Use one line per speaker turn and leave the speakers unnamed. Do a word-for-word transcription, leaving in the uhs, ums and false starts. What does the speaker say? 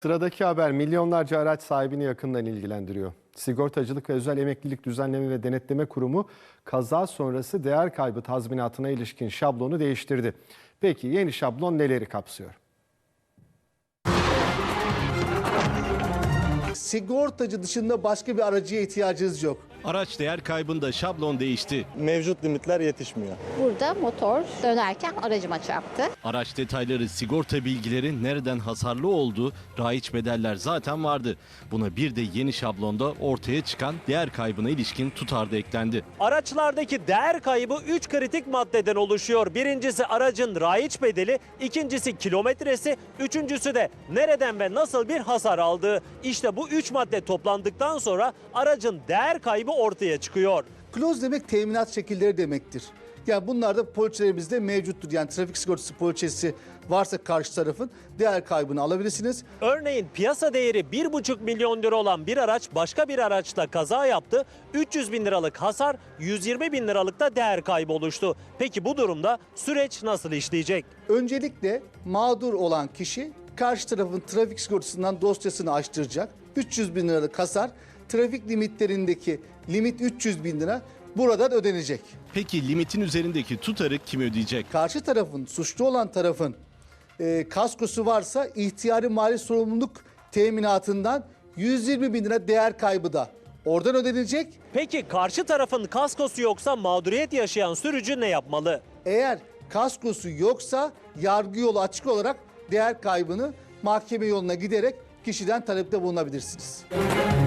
Sıradaki haber milyonlarca araç sahibini yakından ilgilendiriyor. Sigortacılık ve Özel Emeklilik Düzenleme ve Denetleme Kurumu kaza sonrası değer kaybı tazminatına ilişkin şablonu değiştirdi. Peki yeni şablon neleri kapsıyor?
Sigortacı dışında başka bir aracıya ihtiyacınız yok.
Araç değer kaybında şablon değişti.
Mevcut limitler yetişmiyor.
Burada motor dönerken aracıma çarptı.
Araç detayları, sigorta bilgileri, nereden hasarlı olduğu, raiç bedeller zaten vardı. Buna bir de yeni şablonda ortaya çıkan değer kaybına ilişkin tutar da eklendi.
Araçlardaki değer kaybı üç kritik maddeden oluşuyor. Birincisi aracın raiç bedeli, ikincisi kilometresi, üçüncüsü de nereden ve nasıl bir hasar aldığı. İşte bu üç madde toplandıktan sonra aracın değer kaybı ortaya çıkıyor.
Kloz demek teminat şekilleri demektir. Yani bunlar da poliçelerimizde mevcuttur. Yani trafik sigortası poliçesi varsa karşı tarafın değer kaybını alabilirsiniz.
Örneğin piyasa değeri bir buçuk milyon lira olan bir araç başka bir araçla kaza yaptı. üç yüz bin liralık hasar, yüz yirmi bin liralık da değer kaybı oluştu. Peki bu durumda süreç nasıl işleyecek?
Öncelikle mağdur olan kişi karşı tarafın trafik sigortasından dosyasını açtıracak. üç yüz bin liralık hasar, trafik limitlerindeki limit üç yüz bin lira buradan ödenecek.
Peki limitin üzerindeki tutarı kim ödeyecek?
Karşı tarafın, suçlu olan tarafın e, kaskosu varsa ihtiyari mali sorumluluk teminatından yüz yirmi bin lira değer kaybı da oradan ödenecek.
Peki karşı tarafın kaskosu yoksa mağduriyet yaşayan sürücü ne yapmalı?
Eğer kaskosu yoksa yargı yolu açık olarak değer kaybını mahkeme yoluna giderek kişiden talepte bulunabilirsiniz.